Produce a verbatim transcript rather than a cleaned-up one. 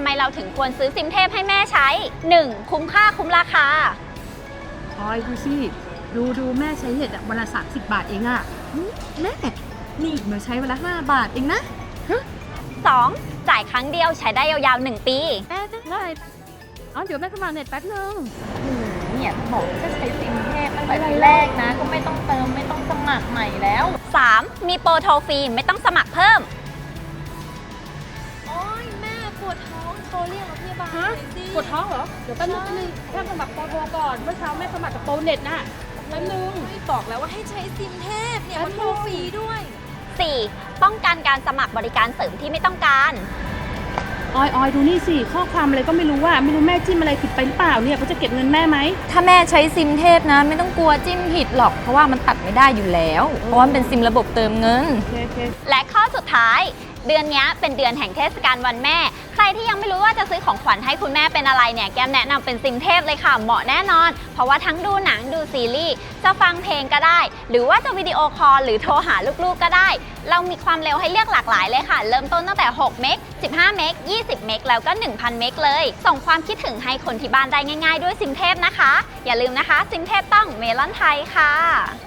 ไมเราถึงควรซื้อซิมเทพให้แม่ใช้ หนึ่ง คุ้มค่าคุ้มราคาออยดูสิดูดูแม่ใช้เน็ตอะวันละสามสิบบาทเองอะหึแม่นี่อีกมาใช้วันละห้าบาทเองนะสอง จ่ายครั้งเดียวใช้ได้ยาวๆหนึ่งปีแม่ได้อ๋อเดี๋ยวแม่สมัครเน็ตแป๊บนึงเนี่ยบอกจะใช้ซิมเทพตั้งแต่ทีแรกนะ ก็ไม่ต้องเติมไม่ต้องสมัครใหม่แล้วสาม มีโปรโทรฟรีไม่ต้องสมัครเพิ่มโอ๊ยแม่ปวดท้องโทรเรียกรถพยาบาลฮะหน่อยสิปวดท้องเหรอเดี๋ยวแป๊บนึงนึงแค่สมัครโปรโทรก่อนเมื่อเช้าแม่สมัครกับโปรเน็ตน่ะแป๊บนึงบอกแล้วว่าให้ใช้ซิมเทพเนี่ยมันโทรฟรีด้วยสี่ ป้องกันการสมัครบริการเสริมที่ไม่ต้องการออยออยดูนี่สิข้อความอะไรก็ไม่รู้ว่าไม่รู้แม่จิ้มอะไรผิดไปหรือเปล่าเนี่ยเขาจะเก็บเงินแม่ไหมถ้าแม่ใช้ซิมเทพนะ ไม่ต้องกลัวจิ้มผิดหรอก เพราะว่ามันตัดไม่ได้อยู่แล้ว เพราะว่ามันเป็นซิมระบบเติมเงินโอเคโอเคและข้อสุดท้าย เดือนนี้เป็นเดือนแห่งเทศกาลวันแม่ ใครที่ยังไม่รู้ว่าจะซื้อของขวัญให้คุณแม่เป็นอะไรเนี่ยแก้มแนะนำเป็นซิมเทพเลยค่ะเหมาะแน่นอน เพราะว่าทั้งดูหนังดูซีรีส์จะฟังเพลงก็ได้ หรือว่าจะวิดีโอคอลหรือโทรหาลูกๆก็ได้ เรามีความเร็วให้เลือกหลากหลายเลยค่ะ เริ่มต้นตั้งแต่หกเมก สิบห้าเมก ยี่สิบเมกแล้วก็ หนึ่งพัน เมกเลย ส่งความคิดถึงให้คนที่บ้านได้ง่ายๆด้วยซิมเทพนะคะ อย่าลืมนะคะซิมเทพต้องเมลอนไทยค่ะ